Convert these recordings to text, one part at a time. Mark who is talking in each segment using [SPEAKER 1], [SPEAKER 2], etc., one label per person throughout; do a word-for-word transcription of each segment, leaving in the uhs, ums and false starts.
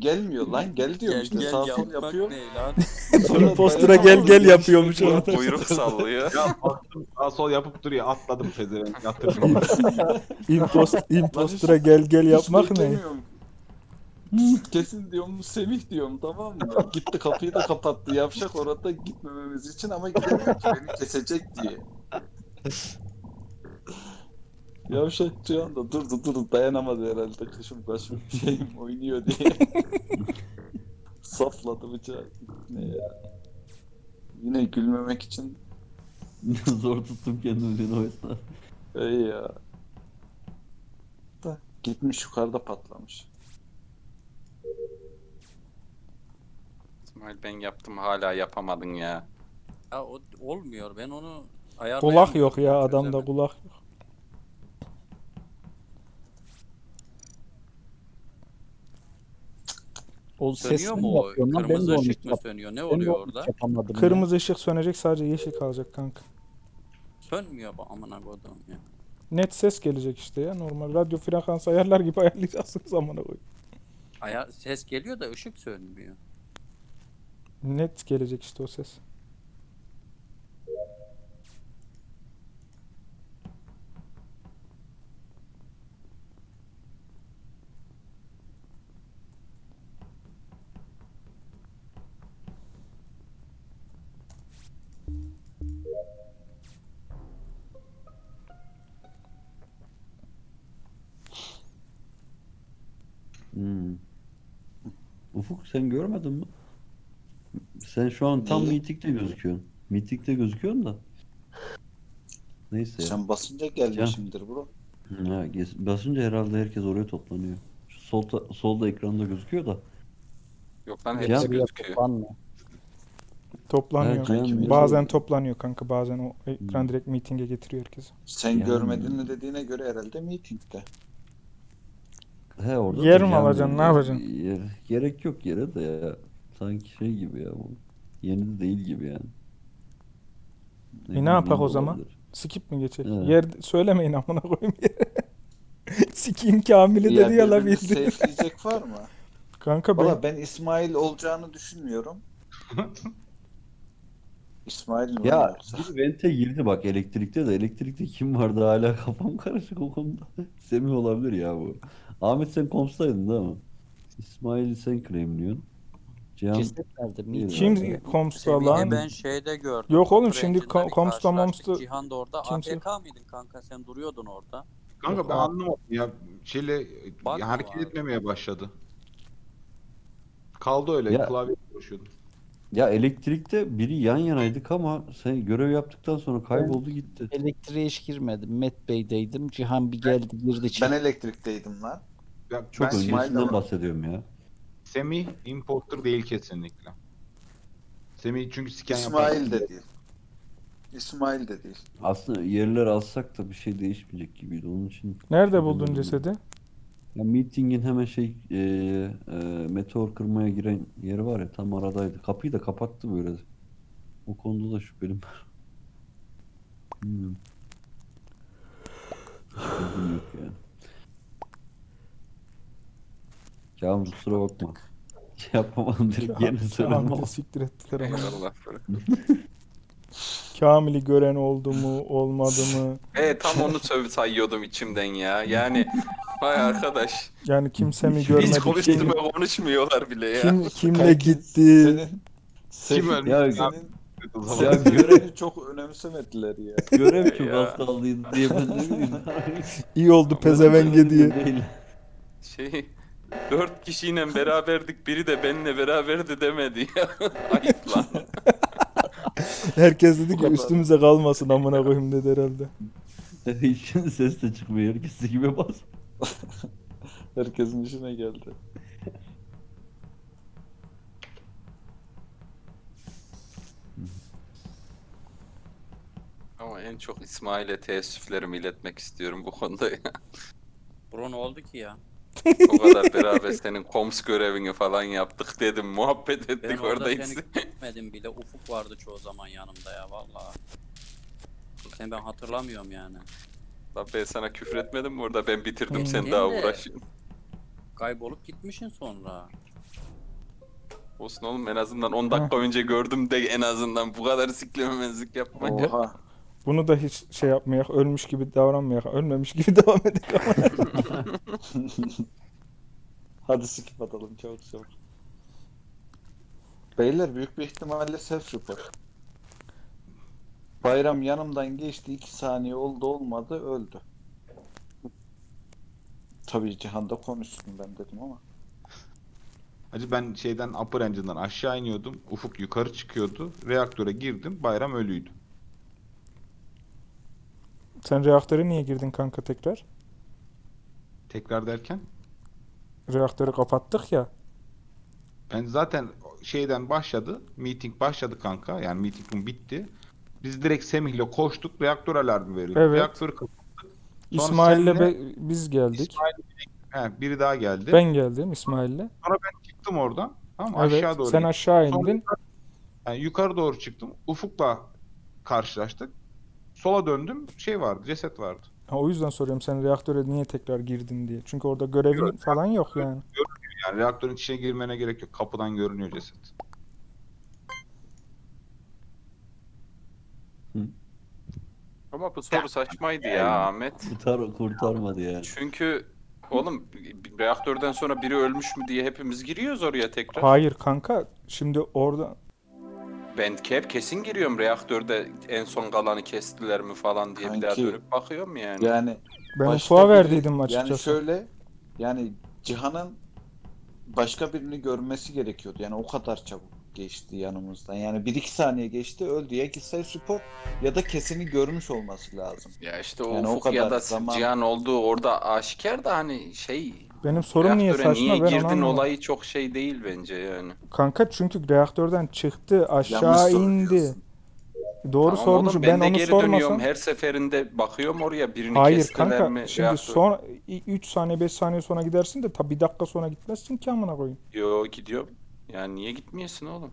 [SPEAKER 1] gelmiyor lan, gel diyorum
[SPEAKER 2] Gel
[SPEAKER 1] işte,
[SPEAKER 2] gel
[SPEAKER 1] sağ sol
[SPEAKER 2] yapmak
[SPEAKER 1] yapıyor.
[SPEAKER 2] ne lan?
[SPEAKER 1] Sonra
[SPEAKER 3] Impostor'a gel
[SPEAKER 1] dayanamadım,
[SPEAKER 3] gel
[SPEAKER 1] bu
[SPEAKER 3] yapıyormuş
[SPEAKER 1] işi-
[SPEAKER 3] orada.
[SPEAKER 4] Kuyruk sallıyor.
[SPEAKER 5] Ya baktım sağ sol yapıp duruyor. Atladım pezevenk. Yatırdım.
[SPEAKER 3] Impost,
[SPEAKER 1] Lan
[SPEAKER 3] impostor'a
[SPEAKER 1] hiç-
[SPEAKER 3] gel gel
[SPEAKER 1] hiç
[SPEAKER 3] yapmak ne?
[SPEAKER 1] beklemiyorum. Kesin diyorum Semih diyorum, tamam mı? Gitti kapıyı da kapattı. Yavşak orada gitmememiz için ama gidemiyor ki beni kesecek diye. Yavşak şu anda durdu durdu dayanamadı herhalde, kışım başım şeyim oynuyor diye. Safladı bıçağı. Ne ya? Yine gülmemek için
[SPEAKER 6] Zor tuttum kendimi o esnada.
[SPEAKER 1] iyi ya. Da gitmiş yukarıda patlamış.
[SPEAKER 4] İsmail ben yaptım hala yapamadın ya.
[SPEAKER 2] Ya o olmuyor. Ben onu ayarlayamıyorum.
[SPEAKER 3] Kulak yok ya, adamda
[SPEAKER 2] Çözemedim.
[SPEAKER 3] kulak yok.
[SPEAKER 7] O
[SPEAKER 2] Sönüyor
[SPEAKER 7] sesini
[SPEAKER 2] mu o?
[SPEAKER 7] yapıyorum lan, ben de
[SPEAKER 2] Kırmızı
[SPEAKER 7] onu
[SPEAKER 2] ışık
[SPEAKER 7] hiç
[SPEAKER 2] mı
[SPEAKER 7] yap-
[SPEAKER 2] sönüyor? Ne
[SPEAKER 7] ben de
[SPEAKER 2] oluyor
[SPEAKER 7] onu hiç
[SPEAKER 2] orada?
[SPEAKER 7] yapamadım ya.
[SPEAKER 3] Kırmızı ışık sönecek, sadece yeşil kalacak kanka.
[SPEAKER 2] Sönmüyor bu amına koduğum ya.
[SPEAKER 3] Net ses gelecek işte ya, normal radyo frekans ayarlar gibi ayarlayacaksınız amına koyayım.
[SPEAKER 2] Aya ses geliyor da ışık sönmüyor.
[SPEAKER 3] Net gelecek işte o ses.
[SPEAKER 6] Hmm. Ufuk sen görmedin mi? Sen şu an tam
[SPEAKER 1] Neyi?
[SPEAKER 6] mitikte gözüküyorsun. Mitikte gözüküyorsun da. Neyse ya.
[SPEAKER 1] Sen basınca gelmişimdir bro.
[SPEAKER 6] Ha, gez- basınca herhalde herkes oraya toplanıyor. Şu solda, solda ekranda gözüküyor da.
[SPEAKER 4] Yok lan
[SPEAKER 6] Ya,
[SPEAKER 4] hepsi
[SPEAKER 7] Buraya
[SPEAKER 4] gözüküyor.
[SPEAKER 7] toplanma.
[SPEAKER 3] Toplanıyor.
[SPEAKER 6] Ha, Cihan,
[SPEAKER 3] Bazen
[SPEAKER 6] böyle-
[SPEAKER 3] toplanıyor kanka, bazen o ekran
[SPEAKER 6] Hmm.
[SPEAKER 3] direkt mitinge getiriyor herkesi.
[SPEAKER 1] Sen
[SPEAKER 6] Yani-
[SPEAKER 1] görmedin mi dediğine göre herhalde meetingde.
[SPEAKER 6] He orada
[SPEAKER 3] Yer
[SPEAKER 6] da
[SPEAKER 3] mi
[SPEAKER 6] Cihan
[SPEAKER 3] alacaksın, ne
[SPEAKER 6] böyle-
[SPEAKER 3] yapacaksın?
[SPEAKER 6] Yer- gerek yok yere de ya. Sanki şey gibi ya bu. Yeni de değil gibi yani.
[SPEAKER 3] E, ne
[SPEAKER 6] bileyim,
[SPEAKER 3] yapak
[SPEAKER 6] yeni
[SPEAKER 3] o
[SPEAKER 6] de
[SPEAKER 3] zaman?
[SPEAKER 6] olabilir.
[SPEAKER 3] Skip mi geçelim?
[SPEAKER 6] Evet.
[SPEAKER 3] Yer söylemeyin amına koyayım yere. Sikiyim Kamil'i
[SPEAKER 1] Ya
[SPEAKER 3] dedi ya la
[SPEAKER 1] birbirini
[SPEAKER 3] bildi.
[SPEAKER 1] safe'leyecek var mı?
[SPEAKER 3] Kanka ben
[SPEAKER 1] Valla ben İsmail olacağını düşünmüyorum. İsmail mi
[SPEAKER 6] Ya
[SPEAKER 1] lan yoksa?
[SPEAKER 6] bir vente girdi bak elektrikte de. Elektrikte kim vardı hala kafam karışık o konuda. Semih olabilir ya bu. Ahmet sen komstaydın değil mi? İsmail sen claimliyorsun. Cihan
[SPEAKER 7] Ceset nerede? Meeting.
[SPEAKER 3] kim
[SPEAKER 6] Nerede?
[SPEAKER 3] komsta
[SPEAKER 2] Semih'i
[SPEAKER 3] lan?
[SPEAKER 2] ben şeyde gördüm.
[SPEAKER 3] Yok oğlum,
[SPEAKER 2] Kapı
[SPEAKER 3] şimdi
[SPEAKER 2] rencinde
[SPEAKER 3] kom-
[SPEAKER 2] bir
[SPEAKER 3] komsta
[SPEAKER 2] karşılaştık.
[SPEAKER 3] momsta
[SPEAKER 2] Cihan da orada.
[SPEAKER 3] kimse-
[SPEAKER 2] A F K mıydın kanka? Sen duruyordun orada.
[SPEAKER 5] Kanka ben
[SPEAKER 3] Yok,
[SPEAKER 5] anlamadım ya. Şeyle
[SPEAKER 2] Bak
[SPEAKER 5] ya
[SPEAKER 2] mı
[SPEAKER 5] hareket
[SPEAKER 2] var?
[SPEAKER 5] etmemeye başladı. Kaldı öyle.
[SPEAKER 6] Ya-
[SPEAKER 5] Klavye uğraşıyordum.
[SPEAKER 6] ya elektrikte biri yan yanaydık ama sen görev yaptıktan sonra kayboldu gitti.
[SPEAKER 7] Elektriğe hiç girmedim. Met Bey'deydim. Cihan bir geldi girdi
[SPEAKER 1] Ben
[SPEAKER 7] çıktı.
[SPEAKER 1] elektrikteydim lan.
[SPEAKER 5] Ya
[SPEAKER 6] Çok
[SPEAKER 5] ben
[SPEAKER 1] İsmail de
[SPEAKER 6] öncesinden
[SPEAKER 1] var.
[SPEAKER 6] bahsediyorum ya.
[SPEAKER 5] Semih imposter değil kesinlikle. Semih çünkü scan
[SPEAKER 1] İsmail
[SPEAKER 5] yapan-
[SPEAKER 1] de değil. İsmail de değil.
[SPEAKER 6] Aslında yerleri alsak da bir şey değişmeyecek gibiydi onun için.
[SPEAKER 3] Nerede buldun cesedi?
[SPEAKER 6] Ya meetingin hemen şey e, e, meteor kırmaya giren yeri var ya tam aradaydı. Kapıyı da kapattı böyle. O konuda da şüphelim var. Bilmiyorum. Şüphem yok yani. Kamil kusura bakma. Yapamadım direkt yeni söyledim ama.
[SPEAKER 3] Kamil'i siktir ettiler ama.
[SPEAKER 4] Eyvallah.
[SPEAKER 3] Kamil'i gören oldu mu, olmadı mı?
[SPEAKER 4] E tam onu söv sayıyordum içimden ya. Yani vay arkadaş.
[SPEAKER 3] Yani kimse mi
[SPEAKER 6] Hiç-
[SPEAKER 3] görmedi?
[SPEAKER 4] Hiç
[SPEAKER 3] Kim,
[SPEAKER 4] konuşturma konuşmuyorlar bile ya.
[SPEAKER 3] kim kimle
[SPEAKER 1] Kanki,
[SPEAKER 3] gitti?
[SPEAKER 1] Senin, senin,
[SPEAKER 5] Kim ölmüş?
[SPEAKER 6] Ya-
[SPEAKER 1] senin,
[SPEAKER 6] Ya
[SPEAKER 1] senin
[SPEAKER 6] görev-
[SPEAKER 1] görevini çok önemsemediler ya.
[SPEAKER 6] Görev çok
[SPEAKER 4] Ya.
[SPEAKER 6] az kaldıydı diye ben ne bileyim.
[SPEAKER 3] İyi oldu pezevenge diye.
[SPEAKER 6] Değil.
[SPEAKER 4] Şey dört kişiyle beraberdik, biri de benimle beraberdi demedi ya. Ayıp lan.
[SPEAKER 3] Herkes dedi ki
[SPEAKER 1] kadar.
[SPEAKER 3] üstümüze kalmasın amına koyayım dedi herhalde.
[SPEAKER 6] Şimdi ses de çıkmıyor. Herkes gibi bas.
[SPEAKER 1] Herkesin işine geldi.
[SPEAKER 4] Ama en çok İsmail'e teessüflerimi iletmek istiyorum bu konuda ya.
[SPEAKER 2] Bro ne oldu ki ya?
[SPEAKER 4] O kadar beraber senin koms görevini falan yaptık dedim, muhabbet
[SPEAKER 2] Ben
[SPEAKER 4] ettik
[SPEAKER 2] orada
[SPEAKER 4] oradayız.
[SPEAKER 2] seni gitmedim bile. Ufuk vardı çoğu zaman yanımda ya vallahi. Sen ben hatırlamıyorum yani.
[SPEAKER 4] Lan ben sana küfür etmedim mi orada, ben bitirdim
[SPEAKER 3] Hmm.
[SPEAKER 4] sen
[SPEAKER 2] Değil
[SPEAKER 4] daha
[SPEAKER 2] de-
[SPEAKER 4] uğraşıyorsun.
[SPEAKER 2] Kaybolup gitmişsin sonra.
[SPEAKER 4] Olsun oğlum, en azından on dakika önce gördüm de en azından bu kadar siklememezlik yapma ya.
[SPEAKER 1] Oha.
[SPEAKER 3] Bunu da hiç şey yapmayak, ölmüş gibi davranmayak, ölmemiş gibi devam edelim.
[SPEAKER 1] Hadi skip atalım çabuk çabuk. Beyler büyük bir ihtimalle self report. Bayram yanımdan geçti, iki saniye oldu olmadı öldü. Tabii Cihan da konuşsun ben dedim ama.
[SPEAKER 5] Hacı ben şeyden upper engine'dan aşağı iniyordum. Ufuk yukarı çıkıyordu. Reaktöre girdim. Bayram ölüydü.
[SPEAKER 3] Sen reaktöre niye girdin kanka tekrar?
[SPEAKER 5] Tekrar derken
[SPEAKER 3] Reaktörü kapattık ya.
[SPEAKER 5] ben zaten şeyden başladı. Meeting başladı kanka. Yani meeting bitti. Biz direkt Semih'le koştuk. Reaktör alarmı verildi.
[SPEAKER 3] Evet.
[SPEAKER 5] Reaktörü kapat. Sonra
[SPEAKER 3] İsmail'le
[SPEAKER 5] senle-
[SPEAKER 3] be- biz geldik.
[SPEAKER 5] İsmail, he, biri daha geldi.
[SPEAKER 3] Ben geldim İsmail'le.
[SPEAKER 5] Sonra ben çıktım oradan. Tamam mı?
[SPEAKER 3] Evet,
[SPEAKER 5] Aşağı doğru
[SPEAKER 3] sen
[SPEAKER 5] gittim.
[SPEAKER 3] aşağı
[SPEAKER 5] Sonra
[SPEAKER 3] indin.
[SPEAKER 5] yukarı- yani yukarı doğru çıktım. Ufuk'la karşılaştık. Sola döndüm. Şey vardı. Ceset vardı.
[SPEAKER 3] Ha, o yüzden soruyorum sen reaktöre niye tekrar girdin diye. Çünkü orada görevin
[SPEAKER 5] Yok,
[SPEAKER 3] falan yok yani.
[SPEAKER 5] Yani reaktörün içine girmene gerek yok. Kapıdan görünüyor ceset.
[SPEAKER 4] Ama bu soru saçmaydı ya Ahmet.
[SPEAKER 6] Kurtar, kurtarmadı ya.
[SPEAKER 4] Çünkü oğlum bir reaktörden sonra biri ölmüş mü diye hepimiz giriyoruz oraya tekrar.
[SPEAKER 3] Hayır kanka. Şimdi orada
[SPEAKER 4] Ben hep kesin giriyorum reaktörde en son kalanı kestiler mi falan diye bir daha
[SPEAKER 1] Kanki,
[SPEAKER 4] dönüp bakıyorum yani.
[SPEAKER 1] Yani
[SPEAKER 3] ben
[SPEAKER 1] başka
[SPEAKER 3] ufuğa
[SPEAKER 1] biri-
[SPEAKER 3] verdiydim açıkçası.
[SPEAKER 1] Yani şöyle, yani Cihan'ın başka birini görmesi gerekiyordu. Yani o kadar çabuk geçti yanımızdan. Yani bir iki saniye geçti öldü. Ya ki self report ya da kesini görmüş olması lazım.
[SPEAKER 4] Ya işte o
[SPEAKER 1] Yani o
[SPEAKER 4] Ufuk ya
[SPEAKER 1] kadar
[SPEAKER 4] da
[SPEAKER 1] zaman-
[SPEAKER 4] Cihan olduğu orada aşikar da hani şey
[SPEAKER 3] Benim sorum niye
[SPEAKER 4] reaktöre
[SPEAKER 3] saçma
[SPEAKER 4] niye
[SPEAKER 3] ben onu
[SPEAKER 4] girdin
[SPEAKER 3] anlamadım.
[SPEAKER 4] olayı çok şey değil bence yani.
[SPEAKER 3] Kanka çünkü reaktörden çıktı
[SPEAKER 1] Yanlış
[SPEAKER 3] aşağı indi.
[SPEAKER 1] soruyorsun.
[SPEAKER 3] Doğru
[SPEAKER 4] Tamam
[SPEAKER 3] sormuş.
[SPEAKER 4] oğlum,
[SPEAKER 3] Ben,
[SPEAKER 4] de
[SPEAKER 3] onu
[SPEAKER 4] geri
[SPEAKER 3] sormasam.
[SPEAKER 4] dönüyorum her seferinde bakıyorum oraya birini
[SPEAKER 3] Hayır
[SPEAKER 4] kestiler
[SPEAKER 3] kanka.
[SPEAKER 4] mi?
[SPEAKER 3] Şimdi
[SPEAKER 4] reaktör-
[SPEAKER 3] son üç saniye beş saniye sonra gidersin de tabi bir dakika sonra gitmezsin ki amına koyayım.
[SPEAKER 4] Yo gidiyorum. Yani niye gitmiyorsun oğlum?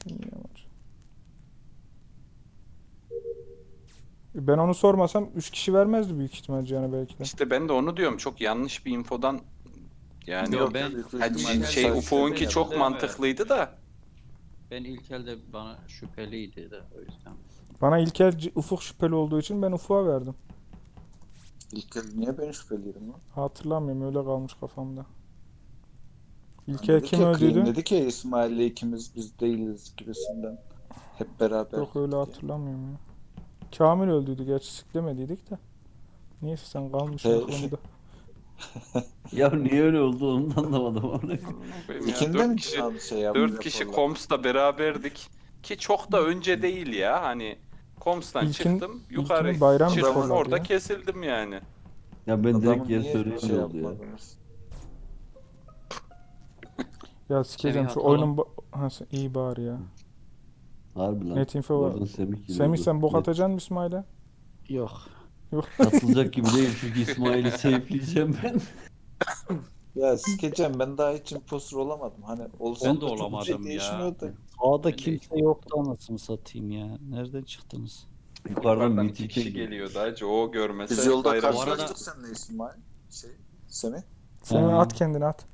[SPEAKER 3] Ben onu sormasam üç kişi vermezdi büyük ihtimal yani belki de.
[SPEAKER 4] İşte ben de onu diyorum, çok yanlış bir infodan yani
[SPEAKER 2] Yo,
[SPEAKER 1] Yok,
[SPEAKER 2] ben-
[SPEAKER 1] büyük
[SPEAKER 4] Ha,
[SPEAKER 1] ihtimalle
[SPEAKER 4] şey
[SPEAKER 1] self
[SPEAKER 4] Ufuk'unki
[SPEAKER 1] report.
[SPEAKER 4] çok
[SPEAKER 2] Değil mi?
[SPEAKER 4] mantıklıydı da
[SPEAKER 2] Ben ilk elde bana şüpheliydi de o yüzden.
[SPEAKER 3] Bana İlker C- Ufuk şüpheli olduğu için ben Ufuk'a verdim.
[SPEAKER 1] İlk kez niye ben şüpheliydim lan?
[SPEAKER 3] Hatırlamıyorum öyle kalmış kafamda.
[SPEAKER 1] Hani
[SPEAKER 3] İlker
[SPEAKER 1] dedi
[SPEAKER 3] kim
[SPEAKER 1] ki,
[SPEAKER 3] öldüydü?
[SPEAKER 1] Clean dedi ki İsmail'le ikimiz biz değiliz gibisinden. Hep beraber.
[SPEAKER 3] Yok öyle
[SPEAKER 1] diye.
[SPEAKER 3] hatırlamıyorum ya. Kamil öldüydü gerçi siklemediydik de. Neyse sen kalmışsın
[SPEAKER 1] He.
[SPEAKER 3] konuda.
[SPEAKER 6] Ya niye öyle oldu onu da anlamadım.
[SPEAKER 4] benim ya,
[SPEAKER 1] İkinde
[SPEAKER 4] dört
[SPEAKER 1] mi
[SPEAKER 4] kişi
[SPEAKER 1] Cihan şey yapmış?
[SPEAKER 4] dört kişi Koms'ta beraberdik ki çok da önce değil ya, hani Koms'tan
[SPEAKER 3] İlkin-
[SPEAKER 4] çıktım yukarı
[SPEAKER 3] ilkini bayram
[SPEAKER 4] çıktım
[SPEAKER 1] raporladı
[SPEAKER 4] orada
[SPEAKER 3] ya.
[SPEAKER 4] kesildim yani.
[SPEAKER 6] Ya ben direkt
[SPEAKER 1] Adamın
[SPEAKER 6] yer
[SPEAKER 1] niye
[SPEAKER 6] söyleyince
[SPEAKER 1] şey
[SPEAKER 6] oldu ya.
[SPEAKER 1] yapmadınız?
[SPEAKER 3] Ya sikeceğim şu
[SPEAKER 2] atalım.
[SPEAKER 3] oyunun ba- ha, sen- iyi bari ya.
[SPEAKER 6] Harbi lan.
[SPEAKER 3] Net info var.
[SPEAKER 6] Oradan Semih giriyordu.
[SPEAKER 3] Semih sen bok
[SPEAKER 6] Net.
[SPEAKER 3] atacaksın mı İsmail'e?
[SPEAKER 7] Yok.
[SPEAKER 6] Atılacak gibi değil çünkü İsmail'i safe'leyeceğim ben.
[SPEAKER 1] Ya sikeceğim ben daha hiç imposter olamadım. Hani olsam
[SPEAKER 2] Ben de
[SPEAKER 1] da çok bir
[SPEAKER 2] olamadım
[SPEAKER 1] şey
[SPEAKER 2] ya.
[SPEAKER 1] değişmiyordu.
[SPEAKER 7] Sağda
[SPEAKER 2] Ben de-
[SPEAKER 7] kimse yoktu anasını satayım ya. Nereden çıktınız?
[SPEAKER 6] Yukarıdan
[SPEAKER 4] Yukarıdan
[SPEAKER 6] meeting'e
[SPEAKER 4] iki kişi
[SPEAKER 6] gidiyor.
[SPEAKER 4] geliyordu hacı, o görmese
[SPEAKER 1] Biz yolda
[SPEAKER 4] bayram-
[SPEAKER 2] Bu arada-
[SPEAKER 1] karşılaştık seninle İsmail. Şey, Semih.
[SPEAKER 3] Semih
[SPEAKER 7] Ha.
[SPEAKER 3] at kendini at.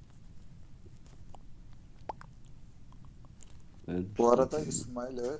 [SPEAKER 6] Evet.
[SPEAKER 1] Bu arada İsmail evet.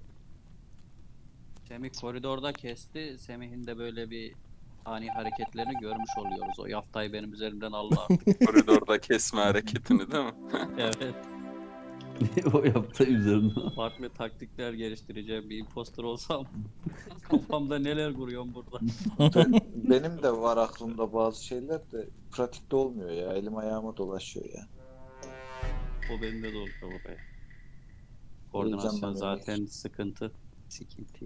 [SPEAKER 2] Semih koridorda kesti. Semih'in de böyle bir ani hareketlerini görmüş oluyoruz. O yaftayı benim üzerimden aldı artık.
[SPEAKER 4] koridorda kesme hareketini değil mi?
[SPEAKER 2] Evet.
[SPEAKER 6] O yaptı üzerine.
[SPEAKER 2] Farklı taktikler geliştireceğim. Bir imposter olsam kafamda neler kuruyorum burada.
[SPEAKER 1] Ben, benim de var aklımda bazı şeyler de pratikte olmuyor ya. Elim ayağıma dolaşıyor ya.
[SPEAKER 2] O bende de oluyor oraya.
[SPEAKER 1] Heyecanla
[SPEAKER 2] Koordinasyon
[SPEAKER 1] demek.
[SPEAKER 2] zaten sıkıntı. Sıkıntı.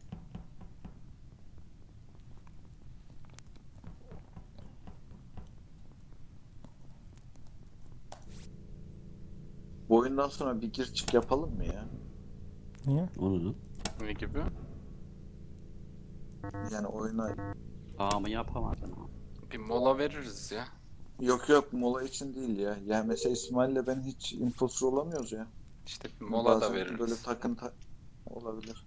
[SPEAKER 1] Bu oyundan sonra bir gir çık yapalım mı ya?
[SPEAKER 3] Niye?
[SPEAKER 6] Onu.
[SPEAKER 4] Ne gibi?
[SPEAKER 1] Yani oyuna...
[SPEAKER 2] Aa mı yapamadın ha?
[SPEAKER 4] Bir mola veririz ya.
[SPEAKER 1] Yok yok mola için değil ya. Yani mesela İsmail'le ben hiç imposter olamıyoruz ya.
[SPEAKER 4] İşte bir mola da
[SPEAKER 1] Bazen
[SPEAKER 4] veririz.
[SPEAKER 1] Böyle takıntı olabilir.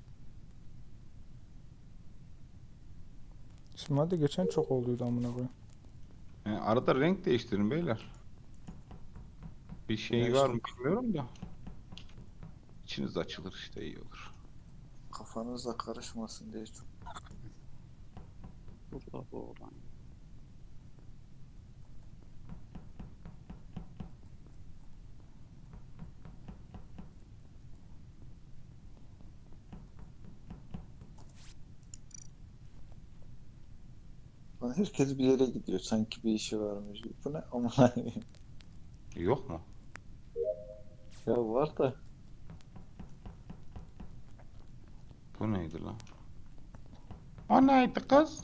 [SPEAKER 3] İsmail de geçen çok olduydu amına koyayım.
[SPEAKER 5] Yani arada renk değiştirin beyler. Bir şey var mı bilmiyorum da. İçiniz açılır işte, iyi olur.
[SPEAKER 1] Kafanıza karışmasın diye çok.
[SPEAKER 2] Burada bu olan.
[SPEAKER 1] Lan herkes bir yere gidiyor. Sanki bir işi varmış. Bu ne? Aman Allah'ım.
[SPEAKER 5] Yok mu?
[SPEAKER 1] Ya var da.
[SPEAKER 5] Bu neydi lan? O neydi kız?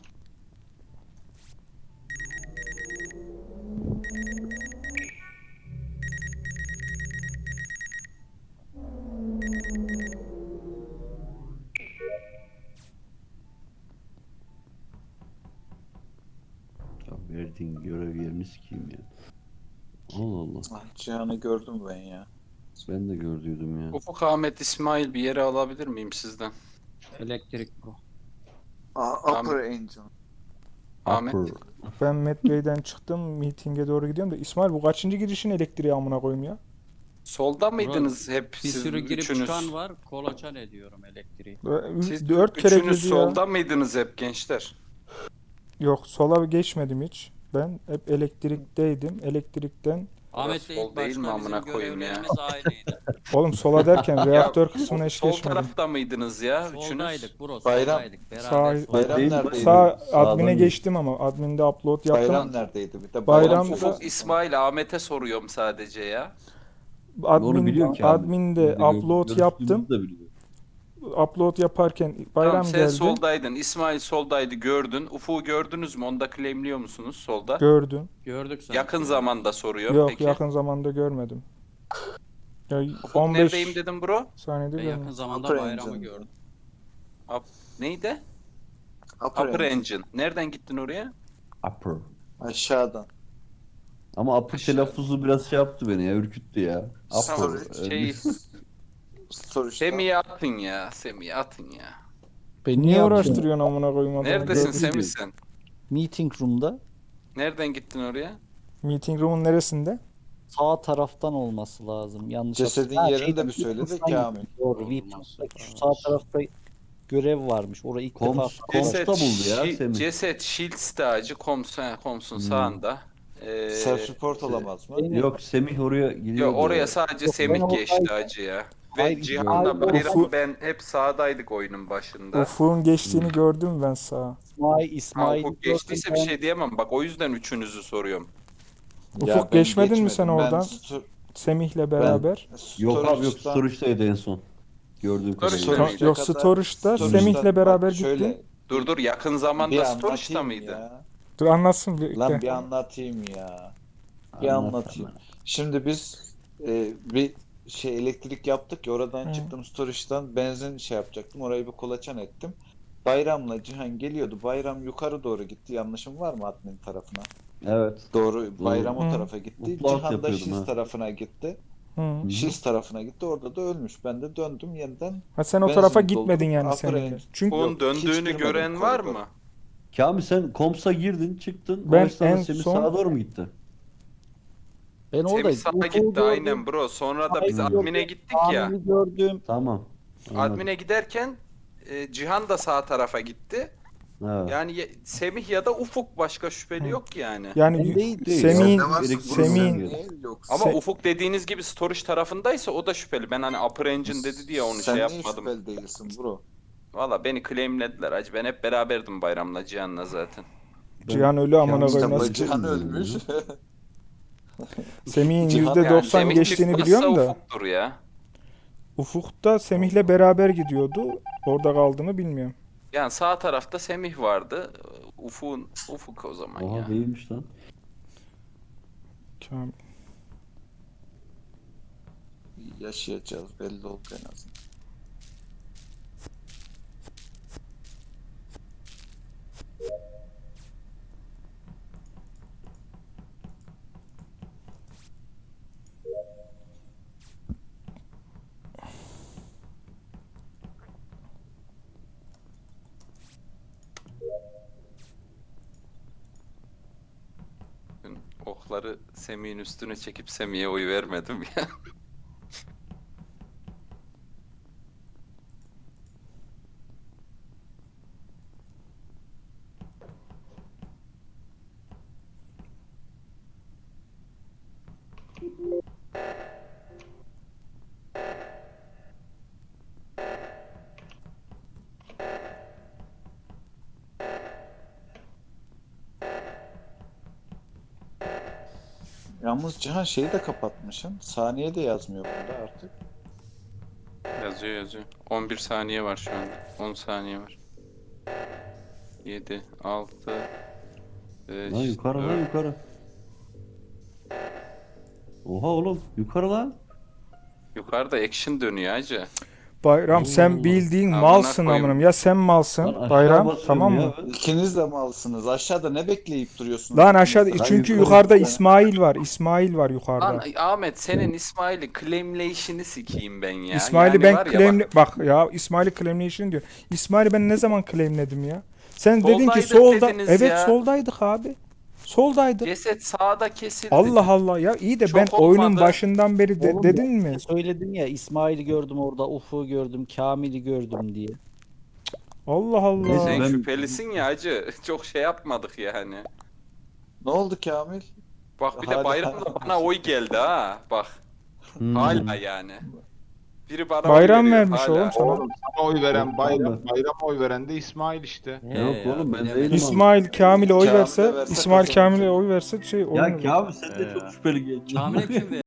[SPEAKER 6] Ya verdiğin görev yerini sikeyim ya. Allah Allah.
[SPEAKER 1] Ah, Cihan'ı gördüm ben ya.
[SPEAKER 6] Ben de gördüydüm ya.
[SPEAKER 4] Ufuk, Ahmet, İsmail, bir yere alabilir miyim sizden?
[SPEAKER 2] Elektrik bu.
[SPEAKER 1] Aa, Upper Angel.
[SPEAKER 4] Ahmet.
[SPEAKER 6] Upper.
[SPEAKER 3] Ben Matt Bey'den çıktım. Meeting'e doğru gidiyorum da. İsmail bu kaçıncı girişin elektriği amına koyayım ya?
[SPEAKER 4] Solda mıydınız hep
[SPEAKER 2] Bir
[SPEAKER 4] siz
[SPEAKER 2] sürü girip
[SPEAKER 4] üçünüz?
[SPEAKER 2] çıkan var. Kolaçan ediyorum elektriği.
[SPEAKER 4] Siz
[SPEAKER 3] Dört kere
[SPEAKER 4] üçünüz
[SPEAKER 3] girdi ya.
[SPEAKER 4] solda mıydınız hep gençler?
[SPEAKER 3] Yok, sola geçmedim hiç. Ben hep elektrikteydim. Elektrikten
[SPEAKER 2] Ahmet'le
[SPEAKER 4] sol
[SPEAKER 2] ilk
[SPEAKER 4] değil mi
[SPEAKER 2] başta
[SPEAKER 4] amına
[SPEAKER 2] bizim
[SPEAKER 4] koyayım ya?
[SPEAKER 2] görevlerimiz aynıydı.
[SPEAKER 3] oğlum sola derken reaktör kısmına hiç
[SPEAKER 4] Sol
[SPEAKER 3] geçmedim.
[SPEAKER 4] tarafta mıydınız ya üçünüz?
[SPEAKER 2] Soldaydık bro,
[SPEAKER 1] Bayram.
[SPEAKER 2] soldaydık. Beraber
[SPEAKER 3] Sağ-
[SPEAKER 2] soldaydık.
[SPEAKER 1] Bayram
[SPEAKER 6] Değil,
[SPEAKER 1] neredeydi?
[SPEAKER 3] Sağ
[SPEAKER 6] Sağdan
[SPEAKER 3] admine
[SPEAKER 6] geçtim.
[SPEAKER 3] geçtim ama adminde upload yaptım.
[SPEAKER 1] Bayram neredeydi? Bir de
[SPEAKER 3] Bayram-
[SPEAKER 4] Ufuk, İsmail, Ahmet'e soruyorum sadece ya.
[SPEAKER 6] Onu
[SPEAKER 3] Admin,
[SPEAKER 6] biliyor ki abi.
[SPEAKER 3] adminde
[SPEAKER 6] Biz de gör-
[SPEAKER 3] upload
[SPEAKER 6] görüştüğümüzü
[SPEAKER 3] yaptım.
[SPEAKER 6] de biliyor.
[SPEAKER 3] Upload yaparken bayram
[SPEAKER 4] Tamam, sen
[SPEAKER 3] geldi.
[SPEAKER 4] soldaydın, İsmail soldaydı, gördün. Ufuk'u gördünüz mü? Onu da claimliyor musunuz solda?
[SPEAKER 3] Gördüm.
[SPEAKER 2] Gördük sanki.
[SPEAKER 4] Yakın zamanda soruyorum
[SPEAKER 3] Yok,
[SPEAKER 4] peki.
[SPEAKER 3] yakın zamanda görmedim. Ya
[SPEAKER 4] Ufuk
[SPEAKER 3] on beş
[SPEAKER 4] neredeyim dedim bro?
[SPEAKER 3] saniyede
[SPEAKER 2] Ben
[SPEAKER 3] görmedim.
[SPEAKER 2] yakın zamanda
[SPEAKER 1] Upper
[SPEAKER 2] bayramı
[SPEAKER 1] Engine.
[SPEAKER 2] gördüm.
[SPEAKER 4] Neydi?
[SPEAKER 1] Upper,
[SPEAKER 4] Upper
[SPEAKER 1] Angel.
[SPEAKER 4] Engine. Nereden gittin oraya?
[SPEAKER 6] Upper.
[SPEAKER 1] Aşağıdan.
[SPEAKER 6] Ama upper
[SPEAKER 4] Aşağı.
[SPEAKER 6] telaffuzu biraz şey yaptı beni ya, ürküttü ya.
[SPEAKER 4] Tamam,
[SPEAKER 6] Upper. e,
[SPEAKER 4] şey,
[SPEAKER 1] Storage'dan.
[SPEAKER 4] Semih'e atın ya, Semih'e atın ya.
[SPEAKER 7] Beni
[SPEAKER 3] Niye
[SPEAKER 7] yapıyorsun?
[SPEAKER 3] uğraştırıyorsun amına koyayım adamı?
[SPEAKER 4] Neredesin
[SPEAKER 3] Gördüm.
[SPEAKER 4] Semih sen?
[SPEAKER 7] Meeting room'da
[SPEAKER 4] Nereden gittin oraya?
[SPEAKER 3] Meeting room'un neresinde?
[SPEAKER 7] sağ taraftan olması lazım. Yanlış
[SPEAKER 1] Cesedin
[SPEAKER 7] hatırlamıyorum. Ha,
[SPEAKER 1] yerini de
[SPEAKER 7] şeyden,
[SPEAKER 1] bir söyle de
[SPEAKER 7] Weapons'tan
[SPEAKER 1] Kamil.
[SPEAKER 7] gittim. Doğru.
[SPEAKER 2] Olmaz.
[SPEAKER 7] Weapons'taki şu sağ tarafta görev varmış. Orayı ilk
[SPEAKER 6] Koms-
[SPEAKER 7] defa
[SPEAKER 6] Koms- Komsta buldu ya
[SPEAKER 4] Şi-
[SPEAKER 6] Semih.
[SPEAKER 4] Ceset Shields tacı Koms, he, Koms'un
[SPEAKER 6] Hmm.
[SPEAKER 4] sağında. Ee,
[SPEAKER 1] Self report olamaz mı?
[SPEAKER 7] Benim-
[SPEAKER 6] Yok, Semih oraya gidiyor.
[SPEAKER 4] Yok, oraya sadece
[SPEAKER 7] Yok, ben
[SPEAKER 4] Semih geçti
[SPEAKER 7] oradaydım.
[SPEAKER 4] hacı ya.
[SPEAKER 7] Hayır,
[SPEAKER 4] Ve Cihan'la
[SPEAKER 7] hayır,
[SPEAKER 4] Bayram
[SPEAKER 3] Ufuk-
[SPEAKER 4] ben hep sağdaydık oyunun başında.
[SPEAKER 3] Ufuk'un geçtiğini gördüm ben sağa.
[SPEAKER 7] İsmail,
[SPEAKER 4] Ha,
[SPEAKER 7] İsmail
[SPEAKER 4] Ufuk geçtiyse bir şey diyemem. Bak o yüzden üçünüzü soruyorum.
[SPEAKER 3] Ufuk,
[SPEAKER 1] Ya ben
[SPEAKER 3] geçmedin mi
[SPEAKER 1] geçmedim.
[SPEAKER 3] sen
[SPEAKER 1] Ben
[SPEAKER 3] oradan?
[SPEAKER 1] sto-
[SPEAKER 3] Semih'le beraber.
[SPEAKER 6] Yok abi, yok,
[SPEAKER 1] storage'dan-
[SPEAKER 6] storage'daydı en son. Gördüğüm
[SPEAKER 4] Storage'da
[SPEAKER 6] kadarıyla.
[SPEAKER 4] mıydı?
[SPEAKER 3] Yok,
[SPEAKER 1] kadar-
[SPEAKER 3] storage'da
[SPEAKER 1] storage'dan-
[SPEAKER 3] Semih'le beraber
[SPEAKER 1] bak şöyle,
[SPEAKER 3] gittim.
[SPEAKER 4] Dur dur, yakın
[SPEAKER 1] bir
[SPEAKER 4] zamanda Storage'da
[SPEAKER 1] anlatayım
[SPEAKER 4] mıydı?
[SPEAKER 1] ya.
[SPEAKER 3] Dur anlatsın bir.
[SPEAKER 1] Lan
[SPEAKER 3] Gel.
[SPEAKER 1] bir anlatayım ya. Bir
[SPEAKER 6] Anlat,
[SPEAKER 1] anlatayım.
[SPEAKER 6] anlat.
[SPEAKER 1] Şimdi biz e, bir şey elektrik yaptık ya, oradan
[SPEAKER 3] Hı.
[SPEAKER 1] çıktım storage'dan benzin şey yapacaktım. Orayı bir kolaçan ettim. Bayram'la Cihan geliyordu. Bayram yukarı doğru gitti. Yanlışım var mı admin tarafına?
[SPEAKER 6] Evet.
[SPEAKER 1] Doğru. Bayram o
[SPEAKER 3] Hı.
[SPEAKER 1] tarafa gitti.
[SPEAKER 6] Upload
[SPEAKER 1] Cihan da
[SPEAKER 6] yapıyordum
[SPEAKER 1] Şiz
[SPEAKER 6] ha.
[SPEAKER 1] tarafına gitti.
[SPEAKER 3] Hı.
[SPEAKER 1] Şiz tarafına gitti. Orada da ölmüş. Ben de döndüm yeniden.
[SPEAKER 3] Ha, sen o
[SPEAKER 1] Benzin
[SPEAKER 3] tarafa
[SPEAKER 1] doldurup
[SPEAKER 3] gitmedin yani
[SPEAKER 1] Upper
[SPEAKER 3] Semih'le.
[SPEAKER 1] Angel.
[SPEAKER 3] Çünkü
[SPEAKER 4] Ufuk'un
[SPEAKER 1] Yok, hiç
[SPEAKER 4] döndüğünü
[SPEAKER 1] girmedim
[SPEAKER 4] gören var
[SPEAKER 1] koridora.
[SPEAKER 4] mı?
[SPEAKER 6] Kamil, sen Koms'a girdin, çıktın.
[SPEAKER 3] Ben
[SPEAKER 6] o esnada
[SPEAKER 3] en
[SPEAKER 6] Semih
[SPEAKER 3] son-
[SPEAKER 6] sağa doğru mu gitti?
[SPEAKER 7] Ben
[SPEAKER 4] Semih
[SPEAKER 7] oradaydım.
[SPEAKER 4] sağa
[SPEAKER 7] Ufuk'u
[SPEAKER 4] gitti
[SPEAKER 7] gördüm,
[SPEAKER 4] aynen bro. Sonra da biz
[SPEAKER 7] Aynen.
[SPEAKER 4] admine gittik ya.
[SPEAKER 7] Kamil'i gördüm.
[SPEAKER 6] Tamam. Anladım.
[SPEAKER 4] Admine giderken e, Cihan da sağ tarafa gitti.
[SPEAKER 6] Evet.
[SPEAKER 4] Yani ye- Semih ya da Ufuk, başka şüpheli
[SPEAKER 3] Hı.
[SPEAKER 4] yok yani.
[SPEAKER 3] yani
[SPEAKER 7] Ben
[SPEAKER 3] y-
[SPEAKER 7] değil,
[SPEAKER 6] değil.
[SPEAKER 3] Semih'in
[SPEAKER 1] Ne varsa
[SPEAKER 3] Semih'in
[SPEAKER 1] vurun niye yoksa?
[SPEAKER 4] Ama
[SPEAKER 3] Se-
[SPEAKER 4] Ufuk dediğiniz gibi storage tarafındaysa o da şüpheli. Ben hani Upper Engine dedi diye onu
[SPEAKER 1] Sen
[SPEAKER 4] şey
[SPEAKER 1] niye
[SPEAKER 4] yapmadım.
[SPEAKER 1] şüpheli değilsin bro?
[SPEAKER 4] Valla beni claimlediler hacı. Ben hep beraberdim Bayram'la Cihan'la zaten.
[SPEAKER 3] Cihan ölü amına
[SPEAKER 6] Kamil-
[SPEAKER 3] koyayım.
[SPEAKER 1] İşte
[SPEAKER 3] nasıl-
[SPEAKER 1] Cihan
[SPEAKER 6] bilmiyorum
[SPEAKER 1] ölmüş.
[SPEAKER 3] Semih'in
[SPEAKER 1] Cihan-
[SPEAKER 3] yüzde
[SPEAKER 4] Yani
[SPEAKER 3] doksan
[SPEAKER 4] Semih
[SPEAKER 3] geçtiğini
[SPEAKER 4] çıkmazsa
[SPEAKER 3] biliyorum da.
[SPEAKER 4] Ufuk'tur ya.
[SPEAKER 3] Ufuk da Semih'le beraber gidiyordu. Orada kaldı mı bilmiyorum.
[SPEAKER 4] Yani sağ tarafta Semih vardı. Ufuk'un Ufuk o zaman ya.
[SPEAKER 6] Oha, değilmiş lan.
[SPEAKER 3] Kamil.
[SPEAKER 1] Yaşayacağız belli oldu en azından.
[SPEAKER 4] Dün okları Semih'in üstüne çekip Semih'e oy vermedim ya.
[SPEAKER 1] Yalnız Cihan şeyi de kapatmışsın. Saniye de yazmıyor burada artık.
[SPEAKER 4] Yazıyor yazıyor. on bir saniye var şu anda. on saniye var. yedi, altı, beş,
[SPEAKER 6] Lan yukarı lan
[SPEAKER 4] dört.
[SPEAKER 6] yukarı. Oha oğlum yukarı lan.
[SPEAKER 4] Yukarıda action dönüyor hacı.
[SPEAKER 3] Bayram sen
[SPEAKER 6] Allah.
[SPEAKER 3] bildiğin
[SPEAKER 4] Amına
[SPEAKER 3] malsın
[SPEAKER 4] koyayım.
[SPEAKER 3] amınım. Ya sen
[SPEAKER 6] Lan
[SPEAKER 3] malsın
[SPEAKER 6] aşağı
[SPEAKER 3] Bayram
[SPEAKER 6] basıyorum
[SPEAKER 3] tamam
[SPEAKER 6] ya
[SPEAKER 3] mı?
[SPEAKER 6] ben.
[SPEAKER 1] İkiniz de malsınız. Aşağıda ne bekleyip duruyorsunuz?
[SPEAKER 3] Lan aşağıda
[SPEAKER 1] İkiniz de?
[SPEAKER 3] çünkü
[SPEAKER 6] yukarı
[SPEAKER 3] yukarıda
[SPEAKER 1] gittim.
[SPEAKER 3] İsmail var. İsmail var yukarıda.
[SPEAKER 4] Lan Ahmet senin İsmail'i claimleyişini sikeyim ben ya.
[SPEAKER 3] İsmail'i
[SPEAKER 4] Yani
[SPEAKER 3] ben
[SPEAKER 4] var ya
[SPEAKER 3] claimle...
[SPEAKER 4] bak,
[SPEAKER 3] Bak ya İsmail'i claimlation diyor. İsmail'i ben ne zaman claimledim ya? Sen dedin ki
[SPEAKER 4] Soldaydık
[SPEAKER 3] solda.
[SPEAKER 4] dediniz
[SPEAKER 3] Evet
[SPEAKER 4] ya.
[SPEAKER 3] soldaydık abi. Soldaydık.
[SPEAKER 4] ceset sağda kesildi.
[SPEAKER 3] Allah Allah ya iyi de
[SPEAKER 4] Çok
[SPEAKER 3] ben oyunun
[SPEAKER 4] olmadı.
[SPEAKER 3] başından beri de-
[SPEAKER 7] Oğlum
[SPEAKER 3] dedin
[SPEAKER 7] ben
[SPEAKER 3] mi?
[SPEAKER 7] Söyledin ya İsmail'i gördüm orada, Ufuk'u gördüm, Kamil'i gördüm diye.
[SPEAKER 3] Allah Allah.
[SPEAKER 6] Neyse,
[SPEAKER 4] Sen
[SPEAKER 6] ben-
[SPEAKER 4] şüphelisin ya hacı. Çok şey yapmadık yani.
[SPEAKER 1] Ne oldu Kamil?
[SPEAKER 4] Bak bir de
[SPEAKER 1] Hala-
[SPEAKER 4] bayramda bana oy geldi ha. Bak
[SPEAKER 6] Hmm.
[SPEAKER 4] hala yani. Biri bana oy
[SPEAKER 3] Bayram
[SPEAKER 4] veriyor,
[SPEAKER 3] vermiş
[SPEAKER 4] hala.
[SPEAKER 3] oğlum sana.
[SPEAKER 5] Oğlum sana oy veren
[SPEAKER 6] Oğlum,
[SPEAKER 5] bayram,
[SPEAKER 6] oğlum.
[SPEAKER 5] bayrama oy veren de İsmail işte.
[SPEAKER 6] Yok
[SPEAKER 2] He
[SPEAKER 6] oğlum, ben
[SPEAKER 2] bilemedim.
[SPEAKER 6] değilim.
[SPEAKER 3] İsmail Kamil'e oy
[SPEAKER 1] Kamil'e
[SPEAKER 3] verse,
[SPEAKER 1] verse
[SPEAKER 3] İsmail
[SPEAKER 1] kazanacak.
[SPEAKER 3] Kamil'e oy verse şey
[SPEAKER 6] Ya
[SPEAKER 3] oyun.
[SPEAKER 6] Kamil sen de
[SPEAKER 2] Ee,
[SPEAKER 6] çok şüpheli geldin.
[SPEAKER 2] Kamil'e kim